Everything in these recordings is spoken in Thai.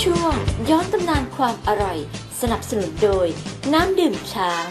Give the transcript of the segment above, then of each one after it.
ช่วงย้อนตำนานความอร่อยสนับสนุนโดยน้ำดื่มช้าง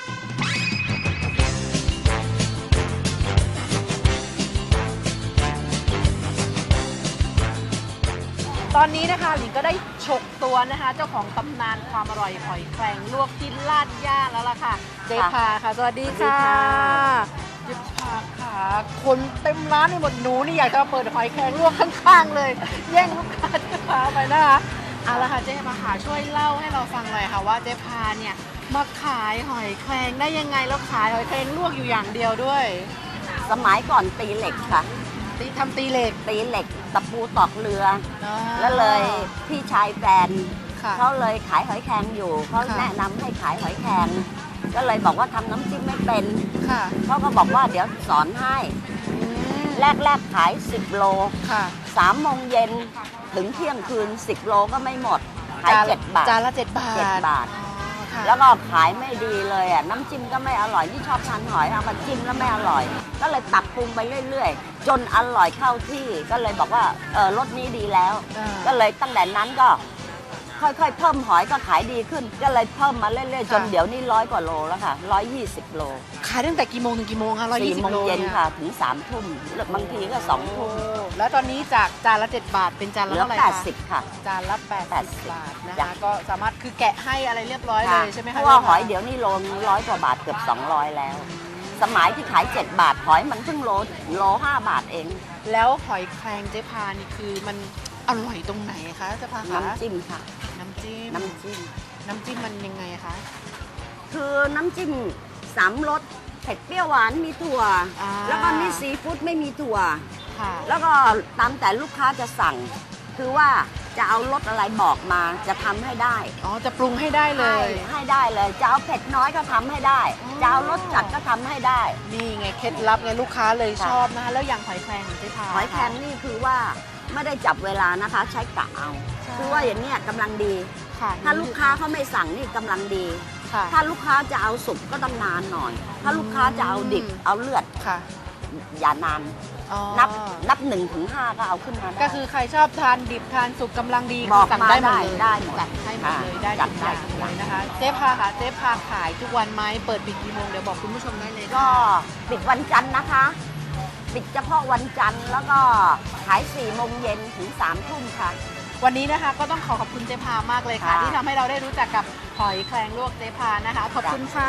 ตอนนี้นะคะหลิงก็ได้ฉกตัวนะคะเจ้าของตำนานความอร่อยหอยแครงลวกที่ลาดย่าแล้วล่ะค่ะเจ๊พาค่ะสวัสดีค่ะเจ๊พาค่ะคนเต็มร้านไปหมดหนูนี่อยากจะเปิดหอยแครงลวกข้างๆเลยแย่งลูกค้าเจ๊พาไปนะคะเอาละค่ะเจ๊พาค่ะช่วยเล่าให้เราฟังหน่อยค่ะว่าเจ๊พาเนี่ยมาขายหอยแครงได้ยังไงแล้วขายหอยแครงลวกอยู่อย่างเดียวด้วยสมัยก่อนตีเหล็กค่ะทำตีเหล็กตีเหล็กตะปูตอกเรืออ๋อแล้วเลยพี่ชายแฟนค่ะเขาเลยขายหอยแครงอยู่เขาค่ะแนะนำให้ขายหอยแครงก็เลยบอกว่าทำน้ำจิ้มไม่เป็นค่ะเขาก็บอกว่าเดี๋ยวสอนให้อืมแรกขาย10 โลค่ะ 3 โมงเย็นถึงเที่ยงคืน10 โลก็ไม่หมดขาย7 บาทจานละ7 บาท 7 บาทอ๋อค่ะแล้วก็ขายไม่ดีเลยอ่ะน้ำจิ้มก็ไม่อร่อยที่ชอบทานหอยเอามาจิ้มแล้วไม่อร่อย ก็เลยปรับปรุงไปเรื่อยๆ จนอร่อยเข้าที่ก็เลยบอกว่ารสนี้ดีแล้ว ก็เลยตั้งแต่นั้นก็ค่อยๆเพิ่มหอยก็ขายดีขึ้น ก็เลยเพิ่มมาเรื่อยๆ จนเดี๋ยวนี้100 กว่าโลแล้วค่ะ120 โลขายตั้งแต่กี่โมงถึงกี่โมงคะ 4 โมง 120 โลเย็นเนี่ยค่ะถึง3 ทุ่มหรือบางทีก็2 ทุ่มแล้วตอนนี้จากจานละ7 บาทเป็นจานเหละลือเท่าไหร่คะ 80 ค่ะจานละ80 บาทนะคะจ้ะก็สามารถคือแกะให้อะไรเรียบร้อยเลยใช่ไหมเพคะราะว่าหอยเดี๋ยวนี้โล100 กว่าบาทเกือบ200 แล้ว สมัยที่ขาย 7 บาทหอยมันเพิ่งโล 5 บาทเองแล้วหอยแครงเจ๊พานี่คือมันอร่อยตรงไหนคะเจ๊พาคะน้ำจิ้มค่ะน้ำจิ้มน้ำจิ้มน้ำจิ้มมันยังไงคะคือน้ำจิ้ม3 รสเผ็ดเปรี้ยวหวานมีถั่วอ่าแล้วก็นี่ซีฟู้ดไม่มีถั่วค่ะแล้วก็ตามแต่ลูกค้าจะสั่ง คือว่าจะเอารสอะไรบอกมาจะทำให้ได้อ๋อจะปรุงให้ได้เลยให้ได้เลยจะเอาเผ็ดน้อยก็ทำให้ได้อ๋อจะเอารสจัดก็ทำให้ได้นี่ไงเคล็ดลับไงลูกค้าเลยค่ะชอบนะคะแล้วอย่างหอยแครงของเจ๊พาหอยแครงนี่คือว่าไม่ได้จับเวลานะคะ ใช้กะเอาใช่คือว่าอย่างเนี้ยกำลังดีค่ะถ้าลูกค้าเขาไม่สั่งนี่กำลังดีค่ะถ้าลูกค้าจะเอาสุกก็ต้องนานหน่อย ถ้าลูกค้าจะเอาดิบเอาเลือดค่ะอย่านานอ๋อนับ1 ถึง 5ก็เอาขึ้นมาได้ก็คือใครชอบทานดิบทานสุกกำลังดีบอกสั่งมาได้หมดเลยได้หมดจัดให้หมดเลยค่ะได้จัทุดกอได้ย่างทุกเลอย่างยนะคะเจ๊พาค่ะเจ๊พาขายทุกวันไหมเปิดปิดกี่โมงเดี๋ยวบอกคุณผู้ชมได้เลยก็ปิดวันจันทร์นะคะ ปิดเฉพาะวันจันทร์แล้วก็ขาย4 โมงเย็นถึง3 ทุ่มค่ะวันนี้นะคะก็ต้องขอบคุณเจ๊พามากเลยค่ะค่ะที่ทำให้เราได้รู้จักกับหอยแครงลวกเจ๊พานะคะขอบคุณค่ะ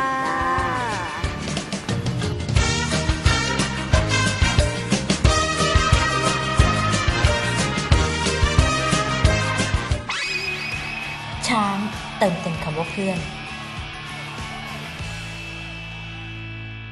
ช้างเติมเต็มคำว่าเพื่อน